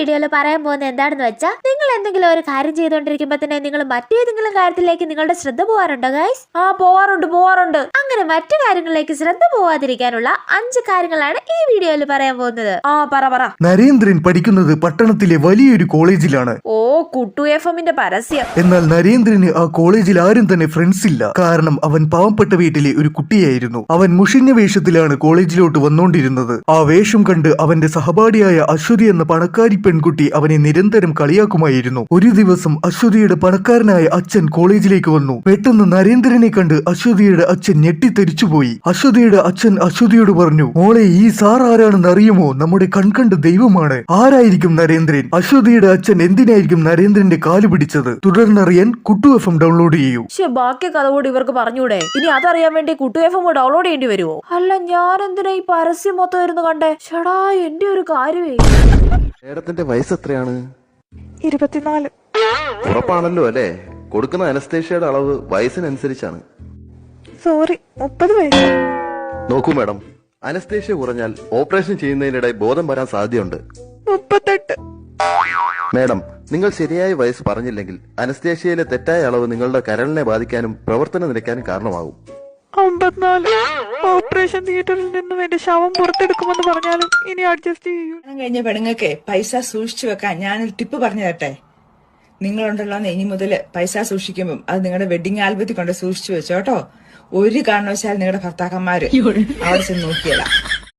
വീഡിയോയിൽ പറയാൻ പോകുന്നത് എന്താണെന്ന് വെച്ചാൽ നിങ്ങൾ എന്തെങ്കിലും ഒരു കാര്യം ചെയ്തുകൊണ്ടിരിക്കുമ്പോൾ തന്നെ നിങ്ങൾ മറ്റേതെങ്കിലും കാര്യത്തിലേക്ക് നിങ്ങളുടെ ശ്രദ്ധ പോകാറുണ്ടോ ഗൈസ്? പോവാറുണ്ട്. അങ്ങനെ മറ്റു കാര്യങ്ങളിലേക്ക് ശ്രദ്ധ പോവാതിരിക്കാനുള്ള 5 കാര്യങ്ങളാണ് ഈ വീഡിയോയിൽ പറയാൻ പോകുന്നത്. പറ. നരേന്ദ്രൻ പഠിക്കുന്നത് പട്ടണത്തിലെ വലിയൊരു കോളേജിലാണ്. ഓ, കുട്ടു എഫ്എമ്മിന്റെ പരസ്യം. എന്നാൽ നരേന്ദ്രന് ആ കോളേജിൽ ആരും തന്നെ ഫ്രണ്ട്സ് ഇല്ല. കാരണം അവൻ പാവപ്പെട്ട വീട്ടിലെ ഒരു കുട്ടിയായിരുന്നു. അവൻ മുഷിഞ്ഞ വേഷത്തിലാണ് കോളേജിലോട്ട് വന്നോണ്ടിരുന്നത്. ആ വേഷം കണ്ട് അവന്റെ സഹപാഠിയായ അശ്വതി എന്ന പണക്കാരി പെൺകുട്ടി അവനെ നിരന്തരം കളിയാക്കുമായിരുന്നു. ഒരു ദിവസം അശ്വതിയുടെ പണക്കാരനായ അച്ഛൻ കോളേജിലേക്ക് വന്നു. പെട്ടെന്ന് നരേന്ദ്രനെ കണ്ട് അശ്വതിയുടെ അച്ഛൻ ഞെട്ടിത്തെറിച്ചുപോയി. അശ്വതിയുടെ അച്ഛൻ അശ്വതിയോട് പറഞ്ഞു, മോളെ, ഈ സാർ ആരാണെന്ന് അറിയുമോ? നമ്മുടെ കൺകണ്ട ദൈവമാണ്. ആരായിരിക്കും നരേന്ദ്രൻ? അശ്വതിയുടെ അച്ഛൻ എന്തിനായിരിക്കും നരേന്ദ്രന്റെ കാല് പിടിച്ചത്? തുടർന്നറിയാൻ കുട്ടു എഫ്എം ഡൗൺലോഡ് ചെയ്യൂ. ബാക്കി കഥ കൂടി ഇവർക്ക് പറഞ്ഞൂടെ? ഇനി അതറിയാൻ വേണ്ടി കുട്ടു എഫ്എം ഡൗൺലോഡ് ചെയ്യേണ്ടി വരുമോ? അല്ല, ഞാൻ എന്തിനാ ഈ പരസ്യം മൊത്തം ഇരുന്ന് കണ്ടേ? ഷടാ, എന്റെ ഒരു കാര്യമേ. മേഡത്തിന്റെ വയസ്സ് എത്രയാണ്? 24. ഉറപ്പാണല്ലോ അല്ലേ? കൊടുക്കുന്ന അനസ്തേഷ്യയുടെ അളവ് വയസ്സിനനുസരിച്ചാണ്. സോറി, 30 വയസ്സ്. നോക്കൂ മാഡം, അനസ്തേഷ്യ കുറഞ്ഞാൽ ഓപ്പറേഷൻ ചെയ്യുന്നതിനിടെ ബോധം വരാൻ സാധ്യതയുണ്ട്. 38. മാഡം, നിങ്ങൾ ശരിയായ വയസ്സ് പറഞ്ഞില്ലെങ്കിൽ അനസ്തേഷ്യയിലെ തെറ്റായ അളവ് നിങ്ങളുടെ കരളിനെ ബാധിക്കാനും പ്രവർത്തനം നിലയ്ക്കാനും കാരണമാകും. 54. ഓപ്പറേഷൻ തിയേറ്ററിൽ നിന്നും എന്റെ ശവം പുറത്തെടുക്കുമെന്ന് പറഞ്ഞാലും ഇനി അഡ്ജസ്റ്റ് ചെയ്യൂ. കഴിഞ്ഞ പെണ്ണുങ്ങൾക്ക് പൈസ സൂക്ഷിച്ചു വെക്കാൻ ഞാനൊരു ടിപ്പ് പറഞ്ഞു തരട്ടെ. നിങ്ങളുണ്ടല്ലോ ഇനി മുതൽ പൈസ സൂക്ഷിക്കുമ്പോൾ അത് നിങ്ങളുടെ വെഡിങ് ആൽബത്തിൽ കൊണ്ട് സൂക്ഷിച്ചു വെച്ചോട്ടോ. ഒരു കാരണവശാൽ നിങ്ങളുടെ ഭർത്താക്കന്മാര് അവിടെ ചെന്ന് നോക്കിയല്ല.